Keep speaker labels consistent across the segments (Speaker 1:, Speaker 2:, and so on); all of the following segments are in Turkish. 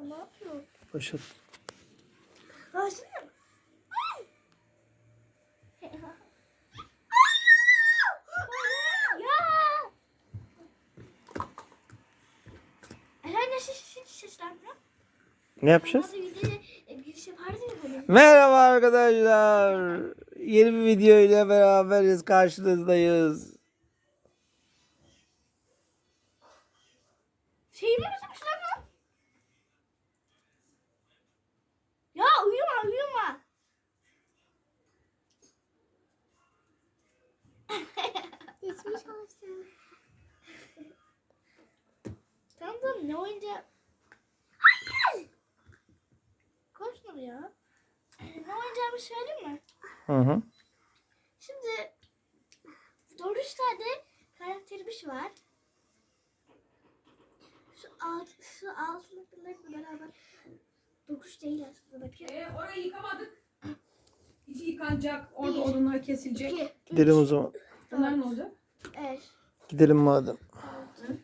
Speaker 1: Ne yapıyor?
Speaker 2: Başlat.
Speaker 1: Başlıyor. Ya. Herhalde hiç seslenmiyor.
Speaker 2: Ne yapacağız?
Speaker 1: Hadi videoya giriş yapardı ya hani.
Speaker 2: Merhaba arkadaşlar. Yeni bir video ile beraberiz. Karşınızdayız.
Speaker 1: Şeyi mi özlemiş lan? Ya uyuma. Geçmiş olsun. Tamam ne oyuncağı? Hayır. Koşma ya. Ne oynayacağımı söyleyeyim mi?
Speaker 2: Hı.
Speaker 1: Şimdi 4 tane karakterimiz var. Şu altındakilerle beraber 9 değil aslında bakayım.
Speaker 3: Orayı yıkamadık. İçi yıkanacak. Orada odunlar kesilecek.
Speaker 1: 2,
Speaker 2: Gidelim o zaman.
Speaker 3: Bunlar ne olacak?
Speaker 1: 5,
Speaker 2: Gidelim madem.
Speaker 1: 6,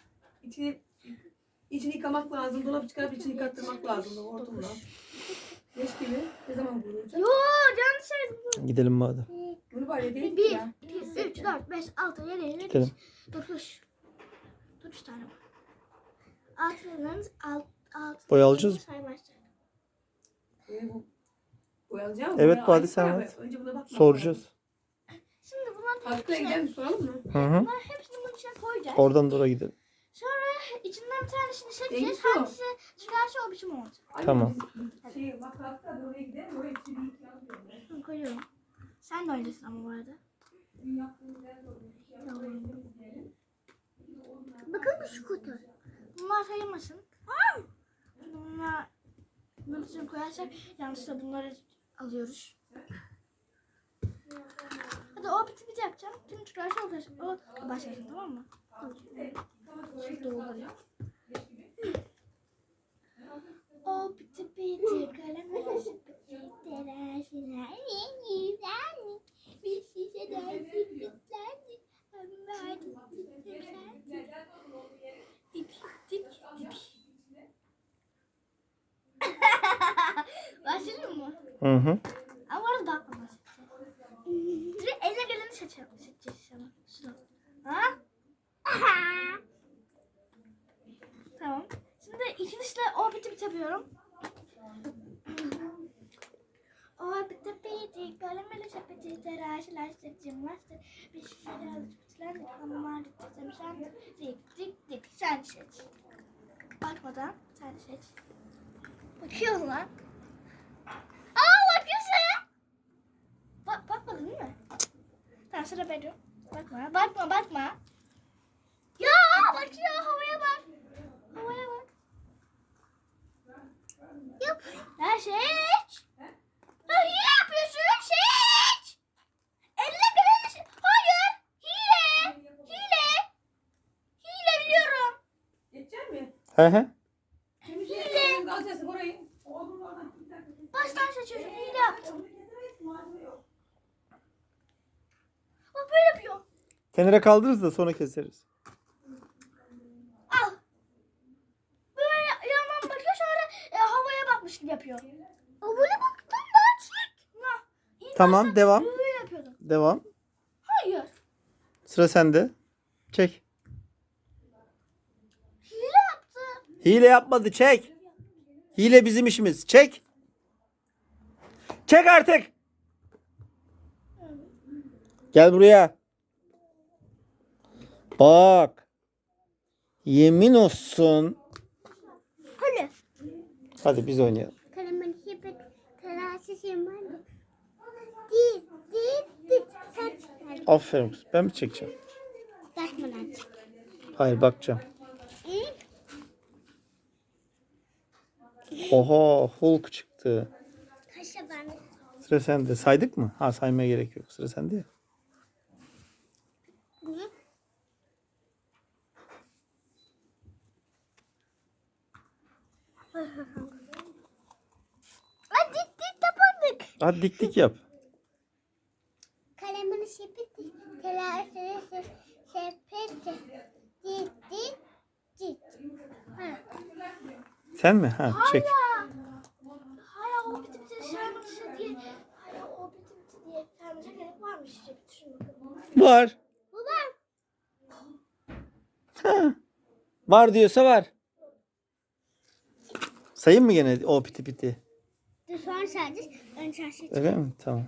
Speaker 3: İçini yıkamak lazım. Dolap çıkarıp içini yıkattırmak lazım. Hortumla. Leş gibi. Ne zaman vurulacak?
Speaker 1: Yo yanlış söyledim.
Speaker 2: Gidelim madem.
Speaker 3: Bunu var ya değil
Speaker 1: 1,
Speaker 3: ya.
Speaker 1: 2, 3, 4, 5, 6, 7, 8,
Speaker 2: Gidelim.
Speaker 1: 9. 9 tane var. Altınlarınız
Speaker 2: Boya alacağız mı?
Speaker 1: saymazlar.
Speaker 3: Boyalacağım.
Speaker 2: Evet,
Speaker 3: Boya
Speaker 2: Badi,
Speaker 3: ayrı
Speaker 2: sen
Speaker 3: para
Speaker 2: evet.
Speaker 3: ver. Önce buna bakmak
Speaker 2: Soracağız.
Speaker 1: Şimdi bunların
Speaker 3: Haftaya gidelim soralım mı?
Speaker 2: Hı.
Speaker 1: bunların hepsini bunun içine koyacağız.
Speaker 2: Oradan da oraya gidelim.
Speaker 1: Sonra içinden bir tanesini seçeceğiz.
Speaker 3: Neymiş o?
Speaker 1: Hangisi çıkarsa o biçim olacak.
Speaker 3: Ay,
Speaker 2: Tamam.
Speaker 3: biz bak hafta oraya gidelim. Oraya içini yıkayalım.
Speaker 1: Bunu koyuyorum. Sen de oynasın ama bu arada. Bakın şu kutu. Bunlar sayılmasın. Bunları için koyarsak yanlışlıkla bunları alıyoruz. Hadi o biti yapacağım. Tüm çıkarsa o başlasın, tamam mı? Şimdi oluyor. O biti kalem sepeti telaşına yeniden bir şişe dersi bitlendi. Dip dip dip. Başlayalım mı?
Speaker 2: Hı.
Speaker 1: Ama orada daha kolay seçeceğiz. Direkt eline geleni seçeceğiz ama. Şunu. Ha? Tamam. Şimdi ikincisle o biti yapıyorum. O biti kalemle sepeti telaşlaştır cimnastır. Bir şişede alıp bitilendik ama gittim sen dik sen seç. Bakmadan sen seç. Bakıyorsun lan. Bakıyorsun. Bakmadın değil mi? Tamam sıra benim. Bakma. Ya bakıyor, havaya bak. Yap. Ya seç. Ya hile yapıyorsun, seç. Elle geleni seç. Hayır. Hile biliyorum.
Speaker 3: Geçecek mi?
Speaker 2: Hı.
Speaker 3: Temizleyelim. Alacağız orayı. Oğlum oradan.
Speaker 1: Baştan seçiyorsun, hile yaptım. Bak böyle yapıyor.
Speaker 2: Kenara kaldırırız da sonra keseriz.
Speaker 1: Al. Böyle yandan bakıyor sonra havaya bakmış gibi yapıyor. Böyle baktım ben çek.
Speaker 2: Tamam, devam.
Speaker 1: Böyle yapıyordum.
Speaker 2: Devam.
Speaker 1: Hayır.
Speaker 2: Sıra sende. Çek.
Speaker 1: Hile yaptı.
Speaker 2: Hile yapmadı, çek. Hile bizim işimiz. Çek. Çek artık. Gel buraya. Bak. Yemin olsun.
Speaker 1: Hadi.
Speaker 2: Hadi biz oynayalım.
Speaker 1: Karaman şipet telaşı şemal. Dit. Sen çıkar.
Speaker 2: Aferin kız. Ben mi çekeceğim?
Speaker 1: Bakmadan çık.
Speaker 2: Hayır, bakacağım. Oha, Hulk çıktı.
Speaker 1: Kaşa ben.
Speaker 2: Sıra sende. Saydık mı? Ha, saymaya gerek yok. Sıra sende ya.
Speaker 1: Dit tapandık.
Speaker 2: Hadi dik yap.
Speaker 1: Kalemini şipet telaşı sepet. Dit. Ha.
Speaker 2: Sen mi? Ha, çek.
Speaker 1: Hala o biti biti şarkısı diye. Hala o biti biti diye. Şarkısı gerek varmış. İşte düşün bakalım.
Speaker 2: Var.
Speaker 1: Baba.
Speaker 2: Ha. Var diyorsa var. Sayayım mı gene o piti piti?
Speaker 1: Dur sonra sadece ön çarşı.
Speaker 2: Öyle mi? Tamam.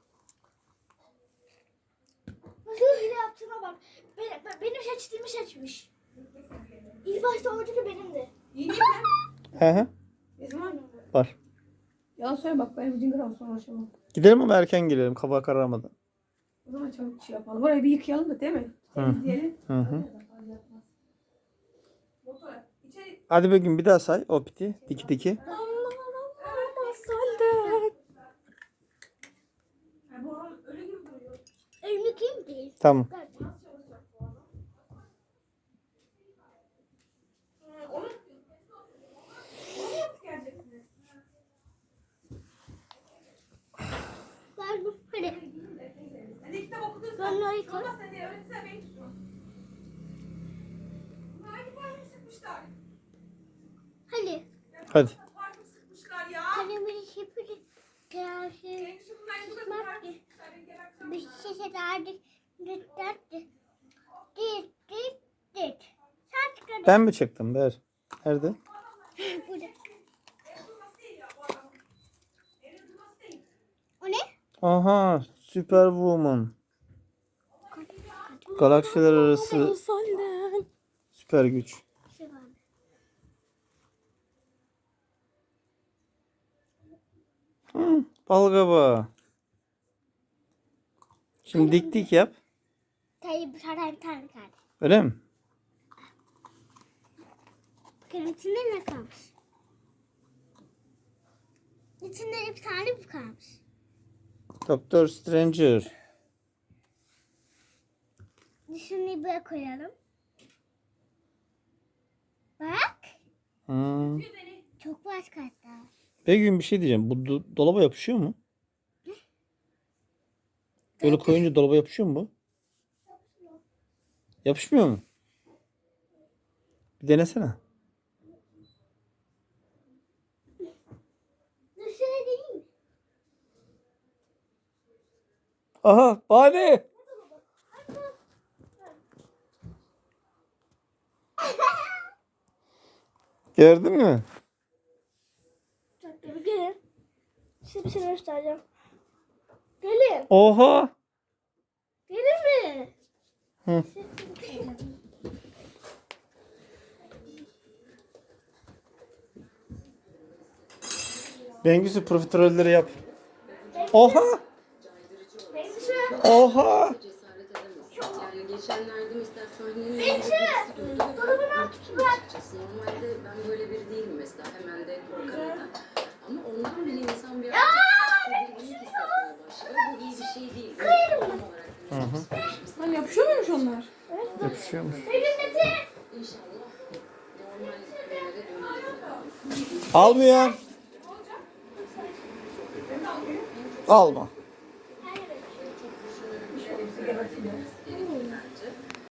Speaker 1: Nasıl hile yaptığına bak. Benim seçtiğimi seçmiş. İlk başta oradaki benimdi.
Speaker 3: İyi değil mi?
Speaker 2: Hı hı.
Speaker 3: Ne zaman?
Speaker 2: Var.
Speaker 3: Yalan söyle bak benim cingir olsun uğraşamam.
Speaker 2: Gidelim ama erken gelelim. Kafa kararmadan.
Speaker 3: O zaman çabuk şey yapalım. Orayı bir yıkayalım da değil mi? Temizleyelim.
Speaker 2: Hı hı.
Speaker 3: Motora. İçeri.
Speaker 2: Hadi Begüm bir daha say o piti. Diki diki.
Speaker 3: Ha, bu oran öyle gibi duruyor.
Speaker 1: Önlü kim değil?
Speaker 2: Tamam.
Speaker 1: Ben bu hadi.
Speaker 3: Hani kitap okuduysan.
Speaker 1: Ben orayı koy.
Speaker 3: Olmaz sen de öğretsen beni tutsun. Bunlar hangi parfüm sıkmışlar?
Speaker 1: Hadi.
Speaker 2: Hadi.
Speaker 3: Parfüm sıkmışlar ya.
Speaker 1: Kalemini şipiri. Kıyafet.
Speaker 3: Hepsi bunlar bu kadar parfüm sıkmışlar. Benim geberteceğim.
Speaker 1: Bir şişe derdi. Dit. Sen çıkardın.
Speaker 2: Ben mi çektim? Ver. Nerede?
Speaker 1: Burada.
Speaker 3: Evde durması değil ya bu adamın. Evde durması değil.
Speaker 1: O ne?
Speaker 2: Aha. Superwoman. Galaksiler arası süper güç.
Speaker 1: Şey var.
Speaker 2: Hı, balgaba. Şimdi dik dik yap.
Speaker 1: Tayyip bir tane kaldı.
Speaker 2: Öyle mi?
Speaker 1: Bakın içinde ne kalmış? İçinde bir tane bu kalmış.
Speaker 2: Doktor Stranger.
Speaker 1: Şunu böyle koyalım. Bak.
Speaker 2: Hı.
Speaker 1: Çok başka hatta.
Speaker 2: Begüm bir şey diyeceğim. Bu dolaba yapışıyor mu? Böyle koyunca dolaba yapışıyor mu bu? Yapışmıyor mu? Bir denesene.
Speaker 1: Dışarı değil mi?
Speaker 2: Aha Bade. Gördün mü?
Speaker 1: Dur gelin. Size bir şey göstereceğim. Gelin.
Speaker 2: Oha.
Speaker 1: Gelin mi?
Speaker 2: Hı. Bengüsü profiterolleri yap. Oha. Oha.
Speaker 4: Cesaret edemezsin. Yani geçenlerde mesela sahnenin
Speaker 1: Bengüsü!
Speaker 4: önünde birisi durdu ve
Speaker 1: Dolabını
Speaker 4: ben
Speaker 1: aç,
Speaker 4: ürktüm
Speaker 1: bırak.
Speaker 4: açıkçası. Normalde ben böyle biri değilim mesela. Hemen de korkarım da. Ama ondan bile insan bir tedirginlik hissetmeye başlıyor. Bu iyi bir şey değil. Tam olarak
Speaker 3: Hani yapışıyor muymuş onlar?
Speaker 2: Yapışıyormuş.
Speaker 4: İnşallah normal günlere döneriz.
Speaker 2: Almıyor. Alma.